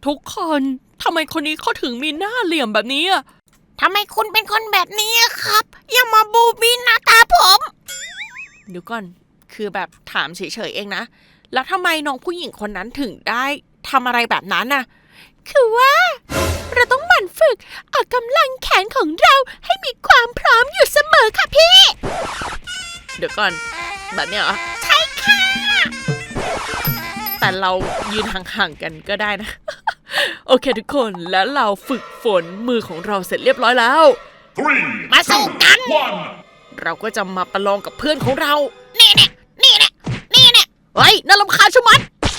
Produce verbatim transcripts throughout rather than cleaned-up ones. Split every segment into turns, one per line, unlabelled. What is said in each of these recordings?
ทุกคนทำไมคนนี้เขาถึงมีหน้าเหลี่ยมแบบนี้อ่ะ
ทำไมคุณเป็นคนแบบนี้ครับอย่ามาบูบี้หน้าตาผม
เดี๋ยวก่อนคือแบบถามเฉยๆเองนะแล้วทำไมน้องผู้หญิงคนนั้นถึงได้ทำอะไรแบบนั้นน่ะคือว่าเราต้องหมั่นฝึกออกกำลังแขนของเราให้มีความพร้อมอยู่เสมอค่ะพี่เดี๋ยวก่อนแบบเนี้ยเหรอ
ใช่ค่ะ
แต่เรายืนห่างๆกันก็ได้นะโอเคทุกคนแล้วเราฝึกฝนมือของเราเสร็จเรียบร้อยแล้ว
มาสู้กัน
เราก็จะมาประลองกับเพื่อนของเรา
นี่เนี่ยนี่เนี่ยนี่เนี่ย
เฮ้ยน่ารำคาญชะมัด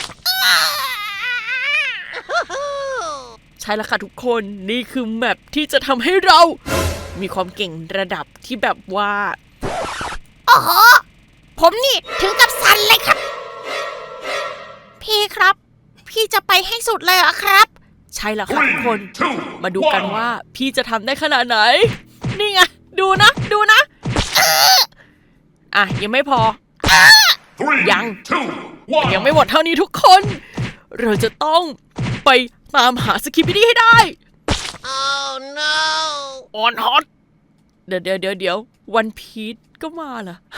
ใช่แล้วค่ะทุกคนนี่คือแมปที่จะทำให้เรามีความเก่งระดับที่แบบว่า
โอ้โหผมนี่ถึงกับสั่นเลยครับพี่ครับพี่จะไปให้สุดเลยเหรอครับ
ใช่แล้วค่ะทุกคนมาดูกันว่าพี่จะทำได้ขนาดไหนนี่ไงดูนะดูนะอ่ะยังไม่พอยังยังไม่หมดเท่านี้ทุกคนเราจะต้องไปตามหาสกิปปี้ดี้ให้ได้
Oh no
ออนฮอตเดี๋ยวเดี๋ยวเดี๋ยวเดี๋ยววันพีชก็มาล่ะ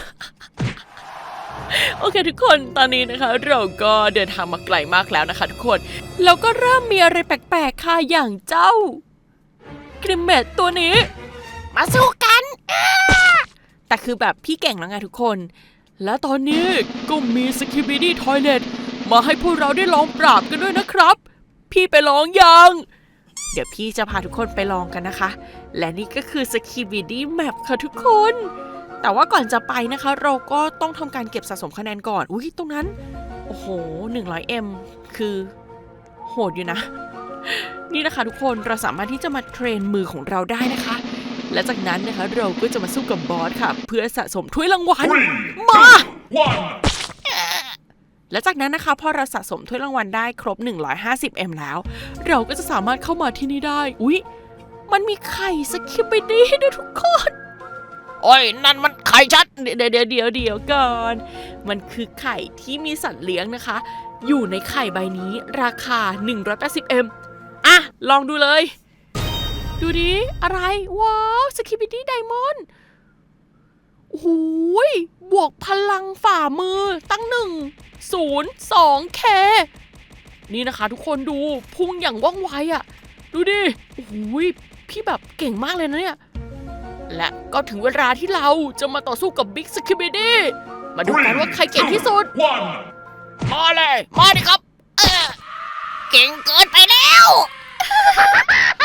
โอเคทุกคนตอนนี้นะคะเราก็เดินทางมาไกลมากแล้วนะคะทุกคนเราก็เริ่มมีอะไรแปลกๆค่ะอย่างเจ้ากริมเมตตัวนี้
มาสู้กัน
แต่คือแบบพี่เก่งแล้วไงทุกคนและตอนนี้ก็มีสกิปปี้ดี้ทอยเลทมาให้พวกเราได้ลองปราบกันด้วยนะครับพี่ไปลองยังเดี๋ยวพี่จะพาทุกคนไปลองกันนะคะและนี่ก็คือสกิปปี้ดี้แมปค่ะทุกคนแต่ว่าก่อนจะไปนะคะเราก็ต้องทำการเก็บสะสมคะแนนก่อนอุ้ยตรงนั้นโอ้โห หนึ่งร้อยเอ็ม คือโหดอยู่นะนี่นะคะทุกคนเราสามารถที่จะมาเทรนมือของเราได้นะคะและจากนั้นนะคะเราก็จะมาสู้กับบอสค่ะเพื่อสะสมถ้วยรางวัลมาและจากนั้นนะคะพอเราสะสมถ้วยรางวัลได้ครบหนึ่งร้อยห้าสิบเอ็มแล้วเราก็จะสามารถเข้ามาที่นี่ได้อุ๊ยมันมีไข่สกิปปี้ดี้ด้วยทุกคน
โอ้ยนั่นมันไข่ชัด
เดี๋ยวเดี๋ยวเดี๋ยวเดี๋ยวก่อนมันคือไข่ที่มีสัตว์เลี้ยงนะคะอยู่ในไข่ใบนี้ราคาหนึ่งร้อยแปดสิบเอ็มอ่ะลองดูเลยดูดิอะไรว้าวสกิปปี้ดี้ไดมอนด์โอ้โหบวกพลังฝ่ามือตั้งหนึ่งศูนย์สองเคนี่นะคะทุกคนดูพุ่งอย่างว่องไวอ่ะดูดิโอ้โหพี่แบบเก่งมากเลยนะเนี่ยและก็ถึงเวลาที่เราจะมาต่อสู้กับบิ๊กสกิปปี้ดี้มาดูกันว่าใครเก่งที่สุด
มาเลยมาดิครับเออเก่งเกินไปแล้ว